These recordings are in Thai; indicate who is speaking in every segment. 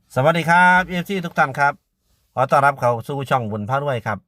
Speaker 1: สวัสดีครับเอฟซีทุกท่านครับขอต้อนรับเข้าสู่ช่องบุญพารวยครับ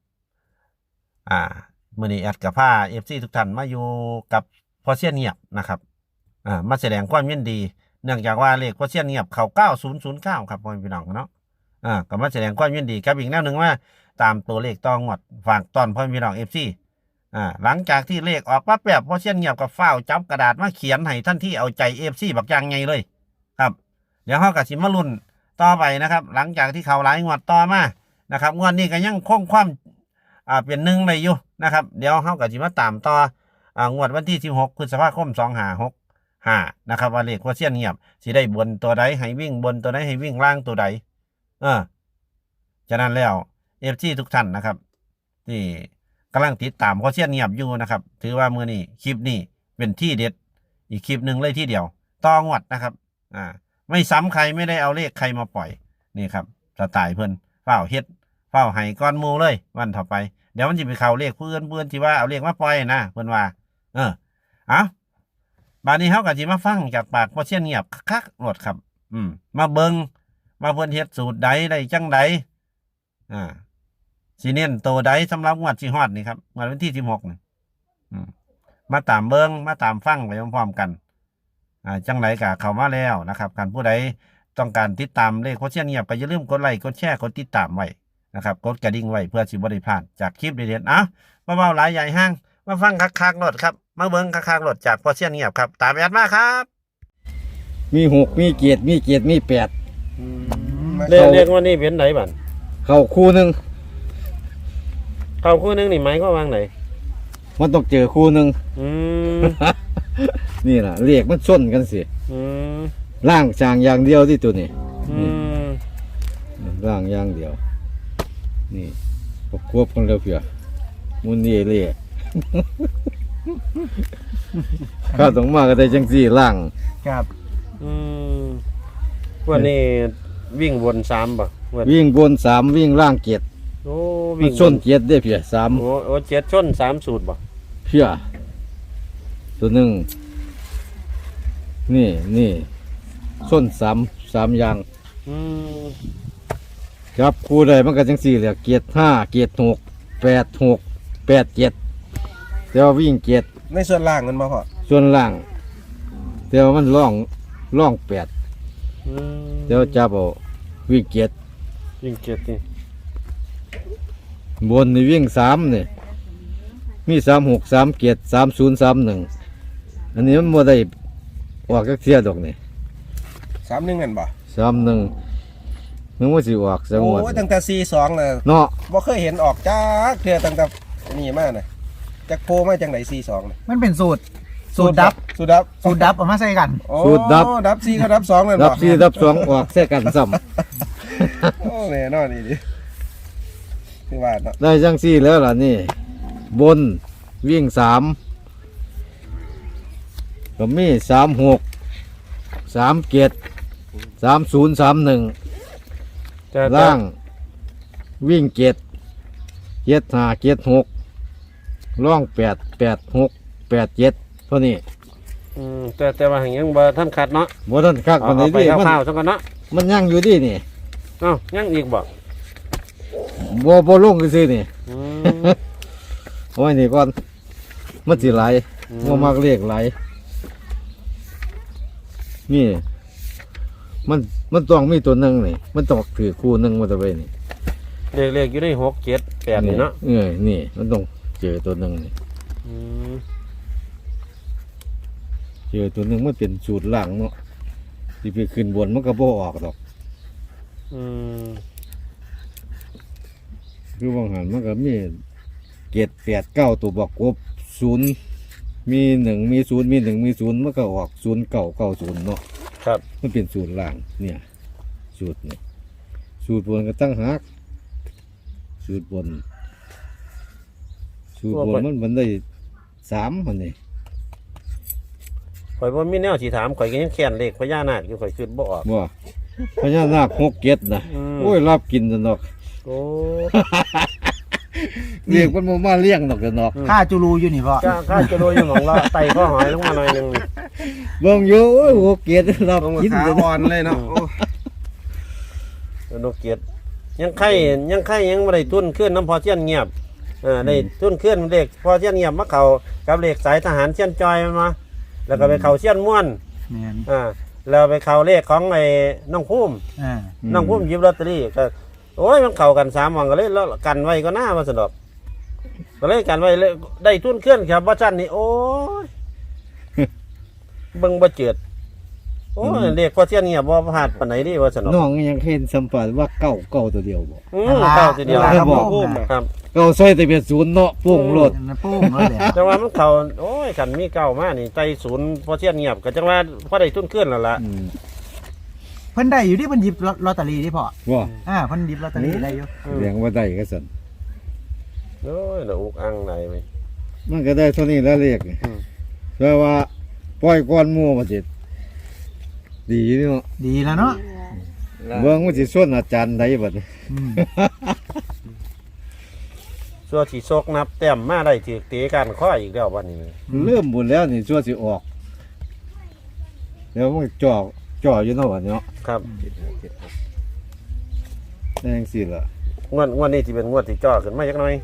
Speaker 1: มื้อนี้แอดกับผ้าเอฟซีทุกท่านมาอยู่กับพอเซียนเงียบนะครับมาแสดงความยินดีเนื่องจากว่าเลขพอเซียนเงียบเข้า9009ครับพ่อพี่น้องเนาะก็มาแสดงความยินดีกับอีกแนวหนึ่งว่าตามตัวเลขต่องวดฝากตอนพ่อพี่น้องเอฟซีหลังจากที่เลขออกปั๊บแบบพอเซียนเงียบกับฝ้าวจับกระดาษมาเขียนให้ท่านที่เอาใจเอฟซีบักอย่างไงเลยครับเดี๋ยวเขากับสิมาลุ้นต่อไปนะครับหลังจากที่เขาหลายงวดต่อมานะครับงวดนี้ก็ยังคงความเป็นหนึ่งเลยอยู่นะครับเดี๋ยวเขากับสิมาตามต่องวดวันที่16พฤษภาคม2565นะครับว่าเลขพอเซียนเงียบสิได้บนตัวใดให้วิ่งบนตัวใดให้วิ่งล่างตัวใดฉะนั้นแล้วเอฟซีทุกท่านนะครับที่กำลังติดตามพอเซียนเงียบอยู่นะครับถือว่ามื้อนี้คลิปนี้เป็นที่เด็ดอีกคลิปหนึ่งเลยที่เดียวต่องวดนะครับไม่ซ้ำใครไม่ได้เอาเลขใครมาปล่อยนี่ครับสไตล์เพิ่นเฝ้าเฮ็ดเฝ้าให้ก้อนมูเลยวันต่อไปเดี๋ยวมันจะไปเข้าเลขเพื่อนที่ว่าเอาเลขมาปล่อยนะเพิ่นว่าบาดนี้เฮาก็สิมาฟังจากปากพอเซียนเงียบคักๆโลดครับมาเบิ่งมาเพิ่นเฮ็ดสูตรใดได้จังใดสิเน้นโตใดสำหรับงวดสิฮอดนี่ครับงวดวันที่16นี่มาตามเบิ่งมาตามฟังไปพร้อมๆกันจังไรกะเข้ามาแล้วนะครับการผู้ใดต้องการติดตามเลขโคชเชียนเงียบก็อย่าลืมกดไลค์กดแชร์กดติดตามไว้นะครับกดกระดิ่งไว้เพื่อสิบ่ได้พลาดจากคลิปเด็ดๆมาเบาหลายใหญ่ห้างมาฟังคักๆโลดครับมาเบิ้งคักๆโลดจากโคชเชียนเงียบครับตามแอดมาครับ
Speaker 2: มีหกมีเกียรติมีแปด
Speaker 1: เรียกว่านี่เป็นไหนบ้าง
Speaker 2: เข้าคู่หนึ่ง
Speaker 1: นี่หมายความว่าไหน
Speaker 2: มันต้องเจอคู่หนึ่งนี่แหละเรียกมันส้นกันสิล่างจางอย่างเดียวที่ตัวนี้ล่างอย่างเดียวนี่ควบกันเร็วเผื่อมุนนี่เรียกข้าต้องมาก็ได้จังสี่ล่าง
Speaker 1: ครับวันนี้วิ่งบน3ป่ะ
Speaker 2: วิ่งบน3วิ่งล่างเกียรติมันส้นเกียรติได้เผื่อ3
Speaker 1: โอ้เจ็ดชน3สูตรป่ะ
Speaker 2: เผื่อตัวหนึ่งนี่ส้น3อย่างครับครูใดมันก็จังสี่เลยเกียรติ5เกียรติ6 8 6 8 7แต่ว่าวิ่งเกียรติ
Speaker 1: ในส่วนล่างมันมาพอ
Speaker 2: ส่วนล่างแต่ว่ามันล่อง8แต่ว่าจับเอาวิ่งเกียรติ
Speaker 1: นี่
Speaker 2: บนนี่วิ่ง3นี่มี36 3เกียรติ30 31อันนี้มันบ่ได้ออกจักเที่ยดอกนี่
Speaker 1: 31นั่นบ่
Speaker 2: 31นึกว่าสิออกจังหวัด
Speaker 1: โอ้ตั้งแต่42น่ะ
Speaker 2: เนาะ
Speaker 1: บ่เคยเห็นออกจักเทื่อตั้งแต่นี่มาน่ะจักโพมาจังได๋42น่ะ
Speaker 3: มันเป็นสูตรดับเอามาใส่กัน
Speaker 2: สูตร
Speaker 1: ดับ4กับดับ2นั่นบ่
Speaker 2: ดับ4ดับ2ออกใส่กันซ้ำ
Speaker 1: โอ้แน่นอนนี่ดิคือว่าเนาะ
Speaker 2: ได้จังซี่แล้วล่ะนี่บนวิ่ง3ก็มี36 3เกียรติ30 31ล่างวิ่งเกียรติ5เกียรติ6ล่อง8 8 6 8 7เท่านี้
Speaker 1: แต่ว่าอย่างยังบ่ท่านขัดเนาะ
Speaker 2: บ่ท่านคักปานใดดิ
Speaker 1: มันข้าวๆจังกันเนาะ
Speaker 2: มันยังอยู่ดินี่
Speaker 1: ยังอีก
Speaker 2: บ่ลงซื่อๆนี่โอ้ยนี่ก่อนมันสิไหลบ่มักเลขไหลนี่มันต้องมีตัวหนึ่งนี่มันต้องถือคู่หนึ่งมาตะเวนนี่
Speaker 1: เลขอยู่ใน6 7 8นี่เนาะ
Speaker 2: นี่มันต้องเจอตัวหนึ่งนี่เจอตัวหนึ่งมันเป็นสูตรล่างเนาะที่ไปขึ้นบนมันก็บ่ออกหรอกคือบางหันมันก็มี7 8 9ตัวบอกกบ0มี1มี0มี1มี0มันก็ออก0 9 9 0เนาะ
Speaker 1: ครับ
Speaker 2: มันเป็นสูตรล่างเนี่ยสูตรนี่สูตรบนก็ตั้งหักสูตรบนมันได้3มันนี่
Speaker 1: ข่อยบ่มีแนวสิถามข่อยก็ยังแค้นเลขพญานาคอยู่ข่อยคิดบ่ออก
Speaker 2: บ่พญานาค6 7นะโอ้ยรับกินซะเนาะ
Speaker 1: โอ้
Speaker 2: เรียกมันมาเลี้ยงดอกเนาะ
Speaker 3: ข้าจูรูอยู่นี่พ่อ
Speaker 1: ข้าจูรูอยู่หนองละไต่ข้อหอยลงมาหน่อยนึง
Speaker 2: เบิ่งอยู่โอ้โหเกียรติรับกิน
Speaker 1: อ่อนเลยเนาะนกเกียรติยังไข่ยังบ่ได้ทุนขึ้นน้ำพอเชียนเงียบได้ทุนขึ้นเลขพอเชียนเงียบมาเข้ากับเลขสายทหารเชียนจอยมาแล้วก็ไปเข้าเชียนม่วน
Speaker 3: แม่น
Speaker 1: แล้วไปเข้าเลขของไอ้น้องภูมิ น้องพุ่มหยิบลอตเตอรี่ก็โอ้ยมันเข้ากัน3วันก็เลยแล้วกันไว้ก็น่ามาสนอกก็เลยกันไว้เลยได้ทุนเคลื่อนครับว่าจันนี่โอ้ย เบิ่งบ่เจิดโอ้ยเรียกพอเที่ยนเงียบบ่พลาดปานไหนดิว่าสนอก
Speaker 2: น้องยังเห็นสัมผัสว่าเก้าตัวเดียวบ่
Speaker 1: เข้าทีเดียว
Speaker 3: ครับ
Speaker 2: บอก
Speaker 3: ผม
Speaker 1: ครับ
Speaker 2: เก้าใส่แต่เป็นศูนย์เนาะโป่งโลด
Speaker 3: มันปุ้งเลยแหละ
Speaker 1: แต่ว่ามันเข้าโอ้ยกันมีเก่ามานี่ใจศูนย์พอเที่ยนเงียบก็จังว่าพอได้ทุนเคลื่อนแล้วล่ะ
Speaker 3: เพิ่นได้อยู่ที่เพิ่นหยิบลอตเตอรี่ที่พ่อ
Speaker 2: ว่า
Speaker 3: เพิ่นหยิบลอตเตอรี่ได้อยู่
Speaker 2: เลี้ยงว่าได้ก็สั่น
Speaker 1: โอ้ยแล้วอุกอังไหนไป
Speaker 2: มันก็ได้เท่านี้แล้วเรียก
Speaker 1: อืม
Speaker 2: แต่ว่าปล่อยก้อนหมู่มาจิดีเนาะ
Speaker 3: ดีแล้วเนาะ
Speaker 2: เบิ่งมันสิส่วนอาจารย์ใดบัดนี้
Speaker 3: อืม
Speaker 1: ส่วนที่ซกนับแต้มมาได้ถือเตะกันข้ออีกแล้ววันนี้
Speaker 2: เริ่มบุญแล้วนี่ชั่วสิออกเดี๋ยวมันจ่ออยู่เนาะบัดเนาะ
Speaker 1: ครับ
Speaker 2: ได้จังซี่ล่ะ
Speaker 1: งวดนี้ที่เป็นงวดที่จ่อขึ้นมาจักหน่อย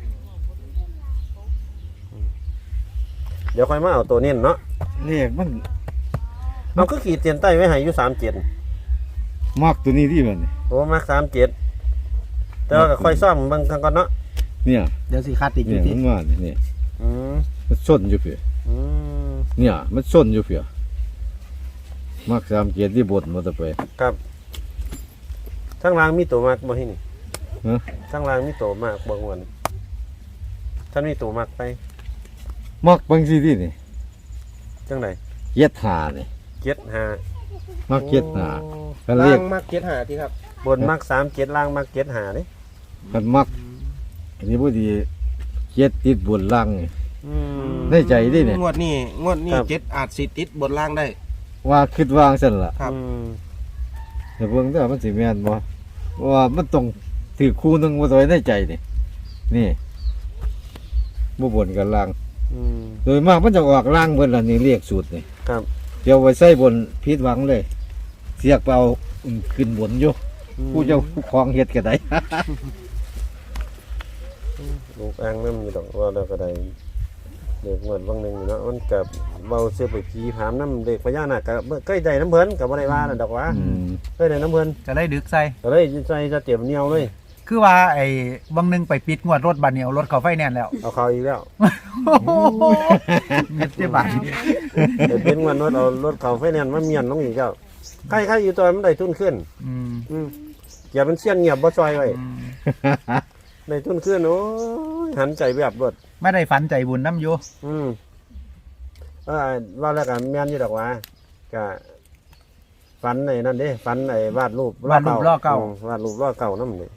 Speaker 1: เดี๋ยวค่อยมาเอาตัวเน้นเนาะ
Speaker 2: เลขมัน
Speaker 1: เอาก็ขีดเตียนใต้ไว้ให้อยู่37
Speaker 2: มักตัวนี้ที่บัดนี้
Speaker 1: โอ้มัก37แต่ว่าก็ค่อยซ่อมเบิ่งกันก่อนเนาะ
Speaker 2: เนี่ย
Speaker 3: เดี๋ยวสิคัดอีกอ
Speaker 2: เนี่ย
Speaker 3: ยู่ที่
Speaker 2: มันว่านี่
Speaker 1: อืม
Speaker 2: มันชนอยู่เพีย
Speaker 1: อืม
Speaker 2: เนี่ยมันชนอยู่เพียมัก3เกียรติที่บทมาแตะไป
Speaker 1: ครับทั้งรางมีตัวมากบ่ที่นี่
Speaker 2: ฮะ
Speaker 1: ทั้งรางมีตัวมากบ่งวนท่านมีตัวมากไป
Speaker 2: มักบางทีที่นี่
Speaker 1: จังได๋
Speaker 2: เย็ดหานี่
Speaker 1: 75
Speaker 2: มักเย็ดหา
Speaker 1: โอ้
Speaker 2: คันเรียก
Speaker 4: มัก75ที่ครับ
Speaker 1: บนมัก37ล่างมัก75เด้
Speaker 2: คันมักอันนี้บ่ดีเย็ดติดบนล่างนี่
Speaker 1: อืม
Speaker 2: ได้ใจดิเนี่ย
Speaker 4: งวดนี้
Speaker 1: ครับ
Speaker 4: 7อาจสิติดบนล่างได้
Speaker 2: ว่าคิดวางซั่นล่ะ
Speaker 4: ครับ
Speaker 1: อืม
Speaker 2: แต่เบิ่งแต่ว่ามันสิแม่นบ่ว่ามันต้องถือคู่หนึงบ่ตัวในใจนี่นี่บ่บนกับล่าง
Speaker 1: อืม
Speaker 2: โดยมากมันจะออกล่างเบิดล่ะนี่เรียกสูตรนี่
Speaker 1: ครับ
Speaker 2: เดี๋ยวไว้ใส่บนผิดหวังเลย เสียกไปเอาขึ้นบนอยู่ผู้เจ้าของเฮ็ดก็ได้
Speaker 1: ลูกอ่างนำอยู่ดอกว่าแล้วก็ได้เด็กงวดบางหนึงเนาะมันก็เบาเสื้อไปผีผามน้ำเด็กพญานาคก็เคยได้น้ำเพิ่นก็บ่ได้ว่านั่นดอกว่า
Speaker 2: อืม
Speaker 1: เคยได้น้ำเพิ่น
Speaker 3: จะได้ดึกใส่
Speaker 1: ก็เลยใส่จะเตรียมเหนียวเลย
Speaker 3: คือว่าไอ้บางนึงไปปิดงวดรถบัตรเนี่ยเอารถเขาไฟแนนซ์แล้ว
Speaker 1: เอาเขาอีกแล้ว
Speaker 3: เม็ดเจ็บบาท
Speaker 1: เดี๋ยวเป็นวันรถเอารถเขาไฟแนนซ์มาเมียนน้องอีกแล้วใครอยู่ตัวมันได้ทุนขึ้น
Speaker 3: อืม
Speaker 1: อย่าเป็นเสี้ยนเงียบบ่ซอยไว้
Speaker 3: อืม
Speaker 1: ได้ทุนขึ้นโอ้ยหันใจแบบรถ
Speaker 3: ไม่ได้ฝันใจบุญน้ำอยู่
Speaker 1: ว่าแล้วกันแม่นอยู่ดอกว่าก็ฝันในนั่นเด้ฝันในวาดรูป
Speaker 3: วาดรูปล้อเก่า
Speaker 1: วาดรูปล้อเก่านั่นนี่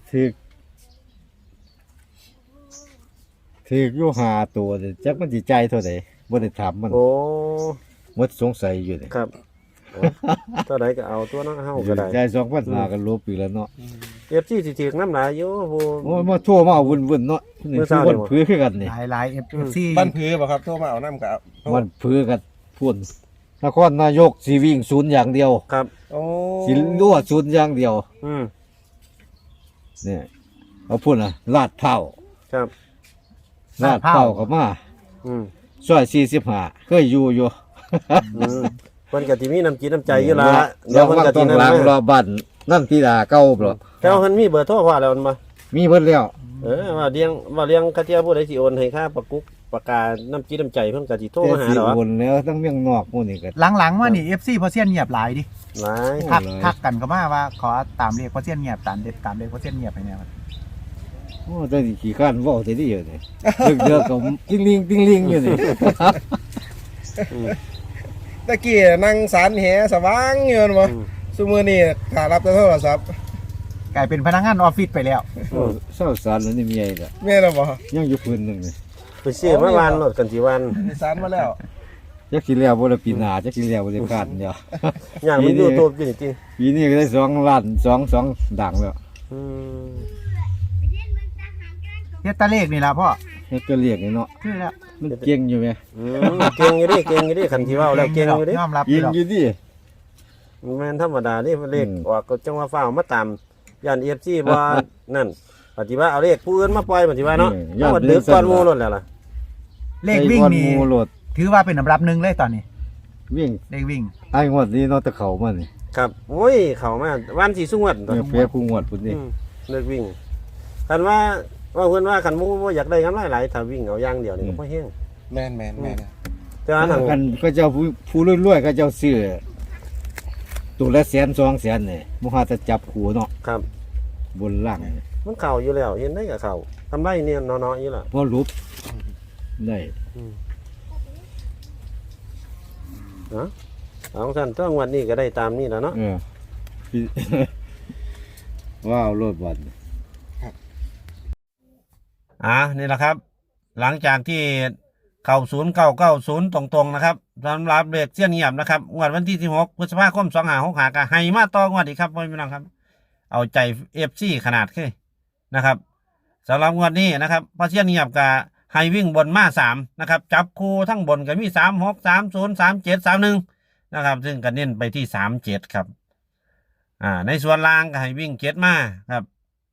Speaker 2: ถืออยู่หาตัวเด้จักมันสิใจายเท่าใดบ่ได้ถามมัน
Speaker 1: โอ้
Speaker 2: หมดสงสัยอยู่นี่
Speaker 1: ครับโอ้เท่าไหร่ก็เอาตัวเน้องเฮาก็ได้
Speaker 2: ใจาย2,500ก็ลบอีกแล้วเนาะ
Speaker 1: FC สิถึกน้ำหลายอยู่ผู้
Speaker 2: โอ้ยมาโทั่วมาวุ่นๆเนาะนี่
Speaker 1: เมื่อ
Speaker 2: คื
Speaker 1: เช้า
Speaker 2: อ
Speaker 1: นี่
Speaker 2: วัน
Speaker 1: บ่
Speaker 2: พื้คือกันนี่
Speaker 3: หลายเอฟซี
Speaker 4: บ้านผือบ่ครับโทรมาเอาน้ำกับเอา
Speaker 2: วันพื้กันพุ่นนครนายกสิวิ่งศูนย์อย่างเดียว
Speaker 1: ครับ
Speaker 4: โอ้
Speaker 2: สิรั่วศูนย์อย่างเดียว
Speaker 1: อืม
Speaker 2: เนี่ยเอาพุ่นน่ะลาดเผา
Speaker 1: ครับ
Speaker 2: ลาดเผาเข้ามา
Speaker 1: อืม
Speaker 2: ซอย45เคยอยู่
Speaker 1: มันก็สิมีน้ำจิตน้ำใจอยู่ละ
Speaker 2: เดี๋ยว
Speaker 1: มัน
Speaker 2: ว่า
Speaker 1: ก็
Speaker 2: ต้
Speaker 1: สิ
Speaker 2: อง
Speaker 1: นั่น
Speaker 2: ล้างร
Speaker 1: มา
Speaker 2: อบ้านนั่นที่ดาเก่าบ่
Speaker 1: แต่ว่ามันมีเบอร์โทรพ่อแล้วมันบ่
Speaker 2: มีเบิดแล้ว
Speaker 1: ว่าเลี้ยงกะเทียผู้ใดสิโอนให้ค่าประกุกประกาน้ำจิตน้ำใจเพิ่นก็สิโทร
Speaker 2: แต่
Speaker 1: มาหา
Speaker 2: สิ
Speaker 1: ดอก
Speaker 2: โอนแล้วทั้งเมืองนอกหมู่นี่ก็
Speaker 3: หลังๆว่านี่เอฟซีพอเซียนเงียบหลายดิ
Speaker 1: หลาย
Speaker 3: ทักกันก็มาว่าขอตามเรียกพอเซียนเงียบตามเรียกพอเซียนเงียบไปเนี่ย
Speaker 2: โอ้แต่นี่ขี้ข้านเว้าแต่นี่อยู่นี่เดือกๆก็ติ้งลิงอยู่นี่
Speaker 4: ตะกี้นั่งสารแหสว่างอยู่นั่นบ่ซุมื้อนี้ขารับแต่โทรศัพท์
Speaker 3: กลายเป็นพนักงานออฟฟิศไปแล้ว
Speaker 2: โอ้เศร้าสารแล้วนี่มีไอ้ละ
Speaker 4: แม่นบ่
Speaker 2: ยังอยู่พื้นหนึงนี่
Speaker 1: ไปซื้อมาวานรถกันสิวัน
Speaker 4: ได้สารมาแล้ว
Speaker 2: จักสิแล้วบ่ละปีหน้าจักสิแล้วบ่ได้คาดเดียว
Speaker 1: อย่างมันอยู่ตัวจริง
Speaker 2: ปีนี้ก็ได้2ล้าน2ดังแล้ว
Speaker 1: ๆอืม
Speaker 3: เฮ็ดตาเลขนี่ล่ะพ่อ
Speaker 2: เฮ็ดก็เรียกนี่เนาะ
Speaker 3: คือแล้ว
Speaker 2: มันเก่งอยู่แหม
Speaker 1: เก่งอยู่ดิคันที่เว้าแล้วเก่งอยู่ดิ
Speaker 3: ยอมรับ
Speaker 2: ยิง
Speaker 3: หรอก
Speaker 2: อยู่ดิ
Speaker 1: แม่นธรรมดานี่เลขออกก็จังว่าฟ้าวมาตามย่าน FC บ่นั่นปฏิว่าเอาเลขผู้อื่นมาปล่อยปฏิว่าเนาะ
Speaker 2: ย่าน
Speaker 1: เอาดึกก่อนหมู่นั่นแหละล่ะ
Speaker 3: เลขวิ่ง
Speaker 2: ไอ้ก้อน
Speaker 3: นี่
Speaker 2: หมูโหลด
Speaker 3: ถือว่าเป็นอันดับหนึ่งเลยตอนนี้
Speaker 2: วิ่ง
Speaker 3: เลขวิ่ง
Speaker 2: ไอ้งวดนี้เนาะแตะเขามานี่
Speaker 1: ครับโอ้ยเข้ามาวันสิสุงวด
Speaker 2: เนี่ยเพียคู่งวดพุ่นนี่
Speaker 1: เลิกวิ่งคันว่าเพิ่นว่าคันหมู่บ่อยากได้กำไรหลายถ้าวิ่งเอาอย่างเดียวนี่ก็บ่แฮง
Speaker 4: แม่นแม่นแม่น
Speaker 1: แต่ว่าทาง
Speaker 2: กันก็เจ้าผู้รวยๆก็เจ้าซื้อตัวละ100,000 200,000นี่บ่ฮาจะจับคู่เนาะ
Speaker 1: ครับ
Speaker 2: บนล่าง
Speaker 1: มันเข้าอยู่แล้วเห็นได้ก็เข้าทำไรเนี่ยเนาะๆอยู่ล่ะ
Speaker 2: พอรูปได้
Speaker 1: เนาะเอาท่านต้องวันนี้ก็ได้ตามนี้แล้วเนาะ
Speaker 2: พี่ ว้าวรถบัส
Speaker 1: นี่แหละครับ หลังจากที่เข้า0990ตรงๆนะครับสำหรับเลขเสี้ยนเงียบนะครับงวดวันที่16พฤษภาคม2565ก็ให้มาต่องวดอีกครับพ่อพี่น้องครับ เอาใจ FC ขนาดขึ้นนะครับสำหรับงวดนี้นะครับพอเสี้ยนเงียบก็ให้วิ่งบนมา3นะครับจับคู่ทั้งบนก็มี36 30 37 31นะครับซึ่งก็เน้นไปที่37ครับในส่วนล่างก็ให้วิ่ง7มาครับ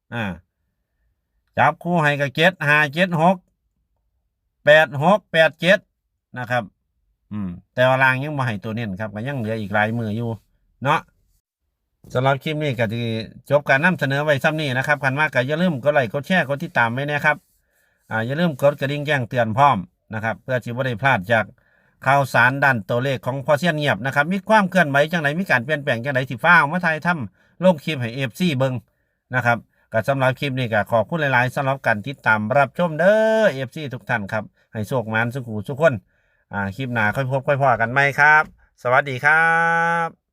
Speaker 1: จับคู่ให้กับ7 5 7 6 8 6 8 7นะครับแต่ว่าล่างยังบ่ให้ตัวเน้นครับก็ยังเหลืออีกหลายมืออยู่เนาะสำหรับคลิปนี้ก็ที่จบการนำเสนอไว้ซ้ำนี้นะครับกันมากก็อย่าลืมกดไลค์กดแชร์กดติดตามไว้นะครับอย่าลืมกดกระดิ่งแจ้งเตือนพร้อมนะครับเพื่อที่บ่ได้พลาดจากข่าวสารด้านตัวเลขของพ่อเสี้ยนเงียบนะครับมีความเคลื่อนไหวจังไหนมีการเปลี่ยนแปลงจังไหนที่ฟ้ามาถ่ายทำลงคลิปให้ FC เบิ่งนะครับก็สำหรับคลิปนี้ก็ขอบคุณหลายๆสำหรับการติดตามรับชมเด้อ FC ทุกท่านครับให้โชคมันสุขหูทุกคนคลิปหน้าค่อยพบค่อยพอกันไหมครับสวัสดีครับ